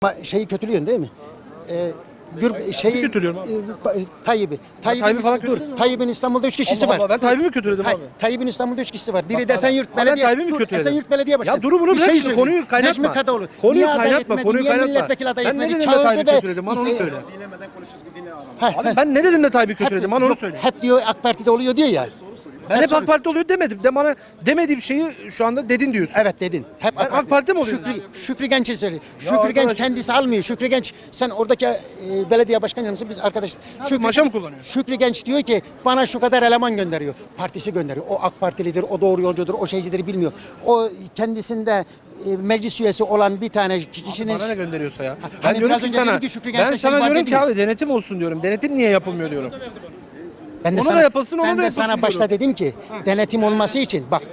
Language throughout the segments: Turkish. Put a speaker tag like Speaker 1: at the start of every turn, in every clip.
Speaker 1: Şeyi kötülüyorsun değil mi?
Speaker 2: Kötülüyorum abi.
Speaker 1: Tayyip'i.
Speaker 2: Tayyip'i falan
Speaker 1: Tayyip'in İstanbul'da 3 kişisi
Speaker 2: Allah
Speaker 1: var.
Speaker 2: Allah, ben Tayyip'i mi kötüledim
Speaker 1: Hayır,
Speaker 2: abi?
Speaker 1: Tayyip'in İstanbul'da 3 kişisi var. Biri
Speaker 2: Bak
Speaker 1: de
Speaker 2: abi,
Speaker 1: Esenyurt
Speaker 2: ben
Speaker 1: Belediye.
Speaker 2: Tayyip'i mi
Speaker 1: Dur,
Speaker 2: kötüledim?
Speaker 1: Esenyurt Belediye Başkanı.
Speaker 2: Ya dur bunu
Speaker 1: Bir
Speaker 2: bırak
Speaker 1: şey
Speaker 2: şimdi,
Speaker 1: söyleyeyim.
Speaker 2: konuyu kaynatma.
Speaker 1: Necmi Kadıoğlu.
Speaker 2: Konuyu
Speaker 1: Niye aday
Speaker 2: kaynatma,
Speaker 1: etmedi,
Speaker 2: konuyu
Speaker 1: niye
Speaker 2: kaynatma.
Speaker 1: milletvekili aday
Speaker 2: Ben ne
Speaker 1: etmedi?
Speaker 2: dedim de Tayyip'i
Speaker 1: Çağırdı
Speaker 2: kötüledim, bana onu söyle.
Speaker 1: Heh,
Speaker 2: Abi ben ne dedim de Tayyip'i kötüledim, bana onu
Speaker 1: yok,
Speaker 2: söyle.
Speaker 1: hep diyor AK Parti'de oluyor diyor ya.
Speaker 2: Ben hep AK Parti oluyor demedim. De bana demediğim şeyi şu anda dedin diyorsun.
Speaker 1: Evet dedin. Hep
Speaker 2: Ben AK Parti mi oluyorum?
Speaker 1: Şükrü Genç'i söyle. Şükrü
Speaker 2: arkadaş-
Speaker 1: Genç kendisi almıyor. Şükrü Genç sen oradaki belediye başkanı yardımcısı biz arkadaş.
Speaker 2: maşa mı kullanıyor?
Speaker 1: Şükrü Genç diyor ki bana şu kadar eleman gönderiyor. Partisi gönderiyor. O AK Partilidir, o doğru yolcudur, o şeycidir bilmiyor. O kendisinde meclis üyesi olan bir tane kişinin...
Speaker 2: Bana ne gönderiyorsa ya.
Speaker 1: Hani
Speaker 2: Ben diyorum
Speaker 1: biraz
Speaker 2: ki
Speaker 1: önce
Speaker 2: sana,
Speaker 1: dedi ki Şükrü Genç'te
Speaker 2: ben
Speaker 1: şey
Speaker 2: sana
Speaker 1: var
Speaker 2: diyorum
Speaker 1: dedi
Speaker 2: ki
Speaker 1: ya.
Speaker 2: abi denetim olsun diyorum. Denetim niye yapılmıyor diyorum.
Speaker 1: Ben de
Speaker 2: Onu
Speaker 1: sana,
Speaker 2: da yapılsın, onu
Speaker 1: ben
Speaker 2: da
Speaker 1: de sana
Speaker 2: yapılsın
Speaker 1: başta
Speaker 2: diyorum.
Speaker 1: dedim ki denetim olması için bak.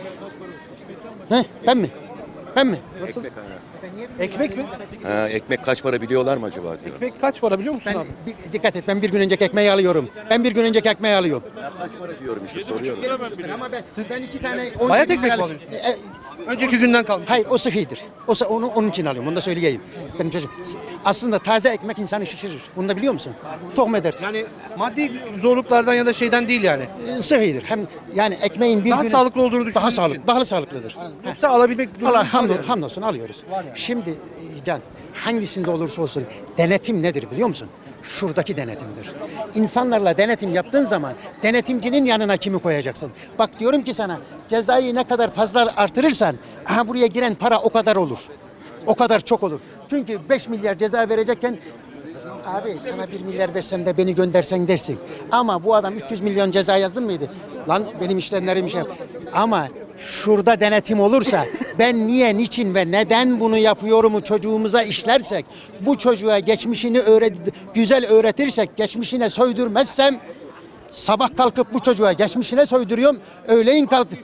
Speaker 1: Ben mi? Ben mi?
Speaker 2: Nasıl? Ekmek mi?
Speaker 3: Ha, ekmek kaç para biliyorlar mı acaba diyor.
Speaker 2: Ekmek kaç para biliyor musun
Speaker 1: Ben
Speaker 2: abi?
Speaker 1: dikkat et ben bir gün önceki ekmeği alıyorum. Ben bir gün önceki ekmeği alıyorum.
Speaker 3: Ya kaç para diyorum işte soruyorum.
Speaker 1: Ama ben iki tane...
Speaker 2: Bayat ekmek mi alıyorsun? Önceki günden kalmış.
Speaker 1: Hayır o sıhhidir. Onun için alıyorum. Onu da söyleyeyim. Benim çocuk aslında taze ekmek insanı şişirir. Bunu da biliyor musun? Tohum eder.
Speaker 2: Yani maddi zorluklardan ya da şeyden değil yani.
Speaker 1: Sıhhidir. Hem yani ekmeğin bir
Speaker 2: Daha
Speaker 1: günü-
Speaker 2: sağlıklı olduğunu düşündüğün
Speaker 1: Daha
Speaker 2: için.
Speaker 1: sağlıklı, daha sağlıklıdır.
Speaker 2: Yoksa alabilmek
Speaker 1: Allah
Speaker 2: durumunda yani.
Speaker 1: hamdolsun alıyoruz. Şimdi Can hangisinde olursa olsun denetim nedir biliyor musun? Şuradaki denetimdir. İnsanlarla denetim yaptığın zaman denetimcinin yanına kimi koyacaksın? Bak diyorum ki sana cezayı ne kadar fazla artırırsan aha buraya giren para o kadar olur. O kadar çok olur. Çünkü 5 milyar ceza verecekken abi sana 1 milyar versem de beni göndersen dersin. Ama bu adam 300 milyon ceza yazdın mıydı? Lan benim işlemlerim şey. Ama şurada denetim olursa ben niye, niçin ve neden bunu yapıyorumu çocuğumuza işlersek, bu çocuğa geçmişini güzel öğretirsek, geçmişine söydürmezsem sabah kalkıp bu çocuğa geçmişine söydürüyorum, öğleyin kalkıp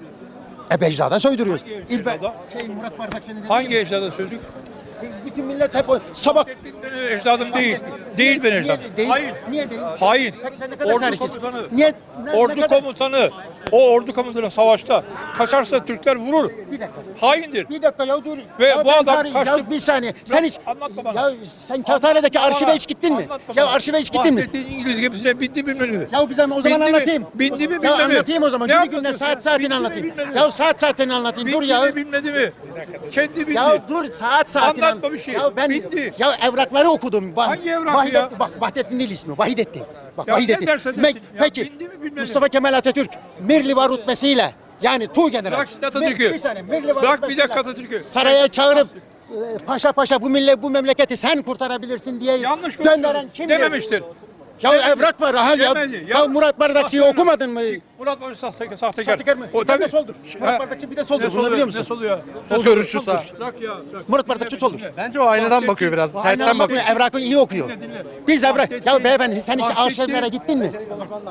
Speaker 1: Becda'da söydürüyoruz. Murat Bardakçı'nın
Speaker 4: Hangi ecdada sözlük?
Speaker 1: bütün millet hep sabah
Speaker 4: Benim ecdadım değil. Değil benim ecdadım.
Speaker 1: Değil.
Speaker 4: Hayır.
Speaker 1: Niye değil?
Speaker 4: Hayır.
Speaker 1: Peki sen ne kadar
Speaker 4: Ordu
Speaker 1: tarihçisin?
Speaker 4: komutanı.
Speaker 1: Niye?
Speaker 4: Ordu komutanı. O ordu komutanı savaşta kaçarsa Türkler vurur.
Speaker 1: Bir dakika.
Speaker 4: Haindir.
Speaker 1: Bir dakika ya dur.
Speaker 4: Ve
Speaker 1: ya
Speaker 4: bu
Speaker 1: ben
Speaker 4: adam kaçtı.
Speaker 1: Ya bir saniye. Sen hiç
Speaker 4: Anlatma bana.
Speaker 1: Ya sen Kağıthane'deki arşive hiç gittin mi?
Speaker 4: Anlatma
Speaker 1: Ya
Speaker 4: bana.
Speaker 1: arşive hiç gittin mi?
Speaker 4: Bahsettiğin İngiliz gemisine bindi bilmem ne.
Speaker 1: Ya bize o zaman
Speaker 4: Bindi mi?
Speaker 1: anlatayım.
Speaker 4: Bindi mi,
Speaker 1: Ya
Speaker 4: bilmedi mi?
Speaker 1: anlatayım o zaman.
Speaker 4: Ne
Speaker 1: Günü gününe
Speaker 4: anlatıyorsun?
Speaker 1: saat saatini
Speaker 4: Bindi mi,
Speaker 1: anlatayım.
Speaker 4: bilmedi mi?
Speaker 1: Ya saat saatini anlatayım. Dur
Speaker 4: Bindi
Speaker 1: ya.
Speaker 4: mi bilmedi mi? Kendi bindi.
Speaker 1: Ya dur saat saatini
Speaker 4: Anlatma bir şey.
Speaker 1: Ya ben
Speaker 4: Bindi.
Speaker 1: ya evrakları okudum.
Speaker 4: Hangi evrakı ya?
Speaker 1: Bak Vahdettin değil ismi. Vahidettin. Bak
Speaker 4: Ya
Speaker 1: Vahidettin.
Speaker 4: ne dersen desin. Ya
Speaker 1: Peki
Speaker 4: bindi mi, bilmedi mi?
Speaker 1: Mustafa Kemal Atatürk Mirliva rütbesiyle yani Tuğgeneral.
Speaker 4: Bırak şimdi Atatürk'ü.
Speaker 1: Bir saniye. Mirliva
Speaker 4: Bırak bir
Speaker 1: rütbesiyle
Speaker 4: dakika Atatürk'ü.
Speaker 1: Saraya çağırıp paşa paşa bu memleketi sen kurtarabilirsin diye
Speaker 4: Yanlış
Speaker 1: gönderen
Speaker 4: konuşuyorsun.
Speaker 1: kimdir?
Speaker 4: Dememiştir.
Speaker 1: Ya evrak var ha ya.
Speaker 4: Demedi.
Speaker 1: Ya Murat Bardakçı'yı
Speaker 4: Bak,
Speaker 1: okumadın mı?
Speaker 4: Murat Barış sahtekar.
Speaker 1: Sahtekar mı?
Speaker 4: O
Speaker 1: Bir de
Speaker 4: tabii.
Speaker 1: soldur. Murat Bardakçı bir de soldur.
Speaker 4: Ne
Speaker 1: Bunu biliyor musun?
Speaker 4: Ne soluyor?
Speaker 2: Sol görüşçü sağ.
Speaker 4: Bırak ya. Bırak.
Speaker 1: Murat Bardakçı soldur.
Speaker 2: Bence o aynadan bakıyor biraz.
Speaker 1: Aynen
Speaker 2: Tersten bakıyor.
Speaker 1: bakıyor. Evrakı iyi okuyor.
Speaker 4: Dinle.
Speaker 1: Biz evrak. Ya
Speaker 4: Vahdettin-
Speaker 1: beyefendi sen hiç
Speaker 4: Vahdettin-
Speaker 1: arşivlere gittin mi?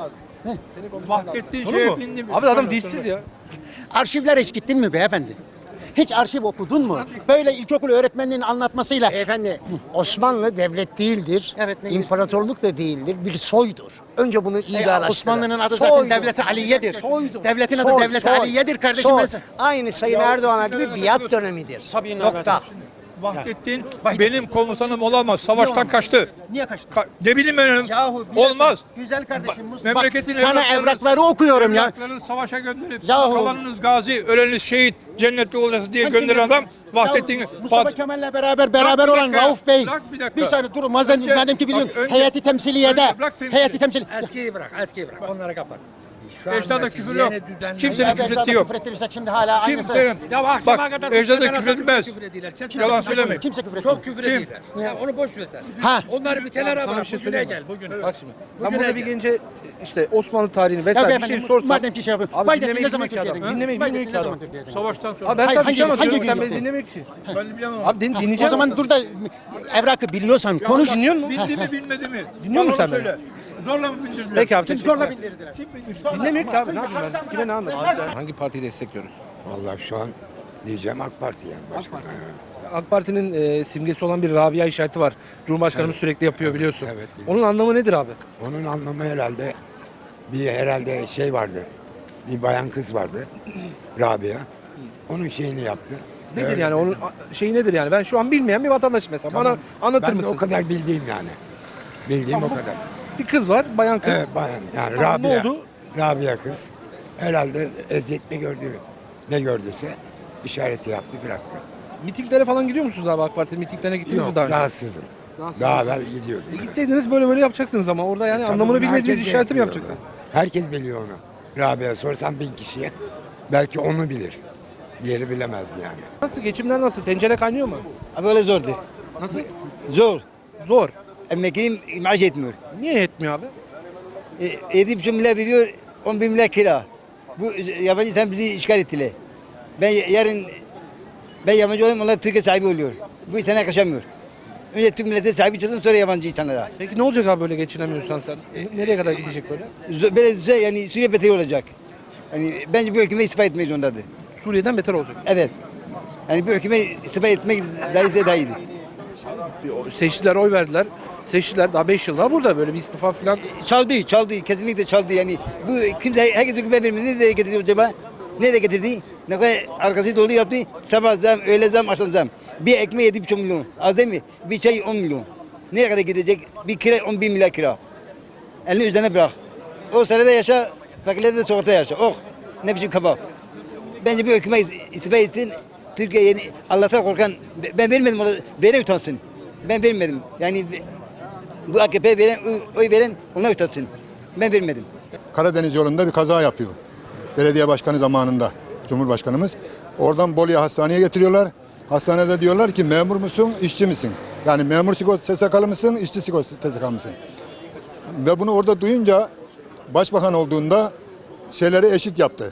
Speaker 4: Vahdettin
Speaker 2: Olur
Speaker 4: şeye
Speaker 2: mu?
Speaker 4: bindi mi?
Speaker 2: Abi adam dişsiz ya.
Speaker 1: Arşivlere hiç gittin mi beyefendi? Hiç arşiv okudun mu? Böyle ilkokul öğretmeninin anlatmasıyla.
Speaker 5: Beyefendi, Osmanlı devlet değildir.
Speaker 1: Evet, neydi?
Speaker 5: İmparatorluk da değildir. Bir soydur. Önce bunu iyi araştırın.
Speaker 1: Osmanlı'nın adı zaten Devlet-i Aliye'dir.
Speaker 5: Soydur.
Speaker 1: Devletin adı Devlet-i Aliye'dir kardeşim.
Speaker 5: Soy.
Speaker 1: Ben-
Speaker 5: Aynı Sayın Erdoğan'a gibi biat dönemidir. Nokta.
Speaker 4: Vahdettin benim komutanım olamaz. Savaştan kaçtı.
Speaker 1: Niye kaçtın?
Speaker 4: Ne bileyim ben.
Speaker 1: Yahu bir
Speaker 4: Olmaz.
Speaker 1: dakika. Güzel kardeşim.
Speaker 4: Memleketin
Speaker 1: Bak, sana
Speaker 4: evlatlarını-
Speaker 1: evrakları okuyorum ya.
Speaker 4: Evlatlarını savaşa gönderip
Speaker 1: Yahu.
Speaker 4: kalanınız gazi, öleniniz şehit, cennetli olacaksınız diye gönderen adam Vahdettin.
Speaker 1: Ya Mustafa Kemal'le beraber
Speaker 4: Bırak bir
Speaker 1: olan
Speaker 4: dakika.
Speaker 1: Rauf Bey.
Speaker 4: Bırak bir dakika.
Speaker 1: Bir saniye durun. Madem
Speaker 4: Önce-
Speaker 1: ki biliyorsun.
Speaker 4: bak, önce-
Speaker 1: Heyeti temsiliyede.
Speaker 4: önce bırak temsili.
Speaker 1: Heyeti temsil.
Speaker 6: Eskiyi bırak, eskiyi bırak. Onları kapat. Şu
Speaker 4: Ecdada
Speaker 6: andaki
Speaker 4: küfür yok.
Speaker 6: yeni düzenleme-
Speaker 4: Kimsenin küfür ettiği yok.
Speaker 1: Küfür ettirirsek şimdi hala aynısı.
Speaker 4: Kimsenin.
Speaker 6: Ya akşama
Speaker 4: Bak
Speaker 6: kadar
Speaker 4: ecdada
Speaker 6: küfür
Speaker 4: küfür edilmez.
Speaker 6: Küfür ediyorlar.
Speaker 4: Yalan söyleme.
Speaker 1: Kimse küfür etmiyor.
Speaker 6: Çok küfür
Speaker 4: Kim?
Speaker 6: ediyorlar. Ya onu boş ver sen.
Speaker 1: Ha.
Speaker 6: Onları bir kenara
Speaker 2: Sana
Speaker 6: bırak.
Speaker 2: bir şey
Speaker 6: Bugüne
Speaker 2: söyleyeyim
Speaker 6: gel.
Speaker 2: mi?
Speaker 6: Bugüne.
Speaker 2: Bak şimdi. Ben
Speaker 6: Bugüne
Speaker 2: burada bir
Speaker 6: gel.
Speaker 2: gence işte Osmanlı tarihini
Speaker 1: Ya
Speaker 2: vesaire bir
Speaker 1: beyefendi,
Speaker 2: şey sorsam.
Speaker 1: madem ki şey yapıyor.
Speaker 2: Abi
Speaker 1: Vahdettin
Speaker 2: dinlemeyi
Speaker 1: ne zaman
Speaker 2: bilmiyor ki
Speaker 1: Türkiye'den?
Speaker 2: adam. Dinlemeyi
Speaker 1: Vahdettin
Speaker 2: bilmiyor ki
Speaker 1: ne zaman
Speaker 2: adam.
Speaker 1: Türkiye'den?
Speaker 4: Savaştan sonra.
Speaker 2: Abi ben sana bir şey
Speaker 1: Hangi
Speaker 2: anlatıyorum.
Speaker 1: gün
Speaker 2: Sen beni
Speaker 1: gitti?
Speaker 2: dinlemiyorsun ki.
Speaker 4: Ben bilemem.
Speaker 2: Abi dinleyeceğim.
Speaker 1: O zaman dur da evrakı biliyorsan konuş.
Speaker 2: dinliyor musun?
Speaker 4: Bildi mi bilmedi mi?
Speaker 2: Dinliyor musun
Speaker 4: Bana
Speaker 2: sen beni?
Speaker 4: söyle. Zorla mı bildirdiler?
Speaker 2: Peki abi
Speaker 1: Kim
Speaker 2: teşekkür
Speaker 1: zorla
Speaker 2: ederim.
Speaker 1: bindirdiler?
Speaker 2: Dinlemiyor ki abi ne yapayım ben? Kime ne anlatayım? Hangi partiyi destekliyoruz?
Speaker 7: Vallahi şu an diyeceğim AK Parti yani. Başka da yani.
Speaker 2: AK Parti'nin simgesi olan bir Rabia işareti var. Cumhurbaşkanımız sürekli yapıyor biliyorsun.
Speaker 7: Evet, biliyorum.
Speaker 2: Onun anlamı nedir abi?
Speaker 7: Onun anlamı herhalde şey vardı. Bir bayan kız vardı. Rabia. Onun şeyini yaptı.
Speaker 2: Nedir
Speaker 7: Öyle
Speaker 2: yani onun şeyi nedir yani? Ben şu an bilmeyen bir vatandaşım mesela. Bana anlatır
Speaker 7: Ben de
Speaker 2: mısın?
Speaker 7: o kadar bildiğim yani. Bildiğim o kadar.
Speaker 2: Bir kız var, bayan kız.
Speaker 7: Evet bayan yani
Speaker 2: Tamam, ne
Speaker 7: Rabia.
Speaker 2: oldu?
Speaker 7: Rabia kız. Herhalde eziyet mi gördü, ne gördüyse işareti yaptı bıraktı.
Speaker 2: Mitinglere falan gidiyor musunuz abi AK Parti mitinglerine gittiniz mi
Speaker 7: Yok
Speaker 2: daha önce?
Speaker 7: rahatsızım. Daha evvel gidiyordum.
Speaker 2: Gitseydiniz böyle yapacaktınız ama orada yani
Speaker 7: Tabii
Speaker 2: anlamını
Speaker 7: bunu
Speaker 2: bilmediğiniz
Speaker 7: herkes de
Speaker 2: işareti mi
Speaker 7: yapıyor
Speaker 2: yapacaktınız?
Speaker 7: onu. Herkes biliyor onu. Rabia sorsan 1000 kişiye belki onu bilir. Diğeri bilemez yani.
Speaker 2: Nasıl geçimler nasıl? Tencere kaynıyor mu?
Speaker 8: Böyle zordu.
Speaker 2: Nasıl?
Speaker 8: Zor.
Speaker 2: Zor.
Speaker 8: Emeklinin maaş yetmiyor.
Speaker 2: Niye yetmiyor abi?
Speaker 8: 7,5 milyar veriyor, 11 milyar kira. Bu yabancı insan bizi işgal ettiler. Yarın yabancı olayım, onlar Türkiye sahibi oluyor. Bu insana yakışamıyor. Önce Türk milleti sahibi çıksın, sonra yabancı insanlara.
Speaker 2: Peki ne olacak abi böyle geçinemiyorsan sen? Nereye kadar gidecek böyle?
Speaker 8: Böyle düze yani Suriye beteri olacak. Yani bence bu hükümet istifa etmeyi zorundadır.
Speaker 2: Suriye'den beter olacak.
Speaker 8: Evet. Yani bu hükümet istifa etmek daha iyiydi.
Speaker 2: Seçtiler, oy verdiler. Seçtiler daha 5 yıl daha burada böyle bir istifa falan.
Speaker 8: Çaldı, kesinlikle çaldı yani. Bu kimse, herkes hükümet vermedi. Nereye getirdi acaba? Nereye getirdi? Ne kadar arkası dolu yaptı. Sabah zam, öğle zam, akşam zam. Bir ekmeği 7,5 milyon. Az değil mi? Bir çay 10 milyon. Nereye kadar gidecek? Bir kira 11 milyar kira. Elini üzerine bırak. O sırada yaşa, fakirler de sokakta yaşa. Oh, ne biçim kaba. Bence bu hükümet istifa etsin. Türkiye yeni, Allah'tan korkan, ben vermedim ona, veren utansın. Ben vermedim. Yani bu AKP'ye veren, oy veren ona utansın. Ben vermedim.
Speaker 9: Karadeniz yolunda bir kaza yapıyor. Belediye başkanı zamanında Cumhurbaşkanımız. Oradan Bolu'ya hastaneye getiriyorlar. Hastanede diyorlar ki memur musun, işçi misin? Yani memur sigorta SSK'lı mısın, işçi sigorta SSK'lı mısın? Ve bunu orada duyunca başbakan olduğunda şeyleri eşit yaptı.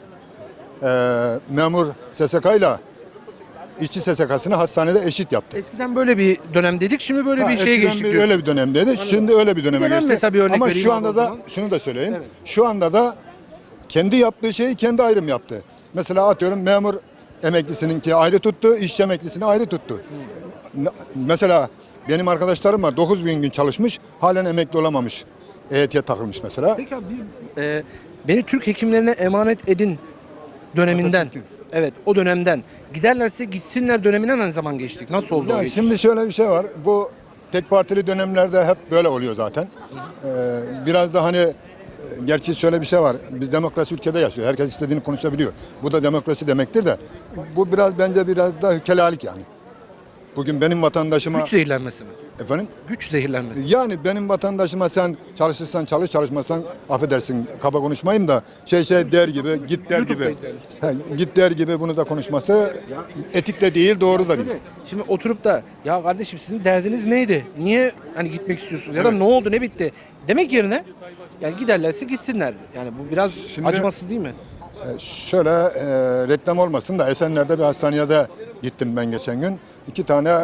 Speaker 9: Memur SSK ile işçi SSK'sını hastanede eşit yaptı.
Speaker 2: Eskiden böyle bir dönemdeydik, şimdi böyle bir şeye
Speaker 9: Eskiden
Speaker 2: geçtik diyorsun.
Speaker 9: öyle bir dönemdeydi. Şimdi öyle bir döneme
Speaker 2: Bir dönem
Speaker 9: geçti.
Speaker 2: mesela bir örnek
Speaker 9: Ama
Speaker 2: vereyim
Speaker 9: şu
Speaker 2: abi
Speaker 9: anda
Speaker 2: o
Speaker 9: da
Speaker 2: zaman.
Speaker 9: şunu da söyleyeyim.
Speaker 2: Evet.
Speaker 9: Şu anda da kendi yaptığı şeyi kendi ayrım yaptı. Mesela atıyorum memur emeklisininki ayrı tuttu, işçi emeklisini ayrı tuttu. Mesela benim arkadaşlarım var 9.000 gün çalışmış, halen emekli olamamış. EYT'ye takılmış mesela.
Speaker 2: Peki abi biz beni Türk hekimlerine emanet edin döneminden.
Speaker 9: Atatürk'ün.
Speaker 2: Evet o dönemden. Giderlerse gitsinler döneminden ne zaman geçtik? Nasıl oldu o
Speaker 9: Ya
Speaker 2: geçiş?
Speaker 9: şimdi şöyle bir şey var. Bu tek partili dönemlerde hep böyle oluyor zaten. Biraz da hani gerçi şöyle bir şey var. Biz demokrasi ülkede yaşıyor. Herkes istediğini konuşabiliyor. Bu da demokrasi demektir de bu bence biraz da hükelalık yani. Bugün benim vatandaşıma
Speaker 2: Güç zehirlenmesi mi?
Speaker 9: efendim
Speaker 2: Güç zehirlenmesi.
Speaker 9: yani benim vatandaşıma sen çalışırsan çalış çalışmazsan affedersin kaba konuşmayayım da şey der gibi git der gibi git der gibi bunu da konuşması etik de değil doğru da değil.
Speaker 2: Şimdi oturup da ya kardeşim sizin derdiniz neydi? Niye hani gitmek istiyorsunuz? Ya da ne oldu ne bitti? Demek yerine yani giderlerse gitsinler. Yani bu biraz
Speaker 9: Şimdi-
Speaker 2: acımasız değil mi?
Speaker 9: Şöyle reklam olmasın da Esenler'de bir hastanede gittim ben geçen gün. 2 tane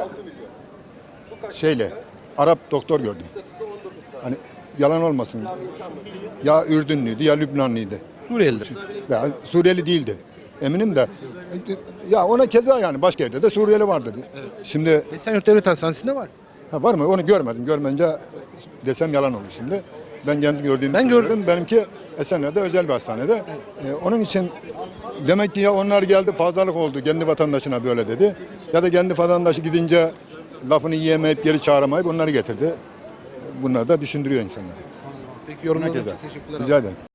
Speaker 9: Arap doktor gördüm. Hani yalan olmasın. Ya Ürdünlüydü ya Lübnanlıydı.
Speaker 2: Suriyelidir.
Speaker 9: Ya Suriyeli değildi. Eminim de ya ona keza yani başka yerde de Suriyeli vardı. Şimdi
Speaker 2: Esenyurt Devlet Hastanesi'nde var.
Speaker 9: var mı? Onu görmedim. Görmeyince desem yalan olur şimdi. Ben kendi gördüğümü
Speaker 2: Ben
Speaker 9: söylüyorum.
Speaker 2: gördüm.
Speaker 9: Benimki Esenler'de özel bir hastanede. Onun için demek ki ya onlar geldi fazlalık oldu. Kendi vatandaşına böyle dedi. Ya da kendi vatandaşı gidince lafını yiyemeyip geri çağıramayıp onları getirdi. Bunlar da düşündürüyor insanları.
Speaker 2: Peki yorumlarınız
Speaker 9: Herkese.
Speaker 2: için teşekkürler.
Speaker 9: Rica ederim.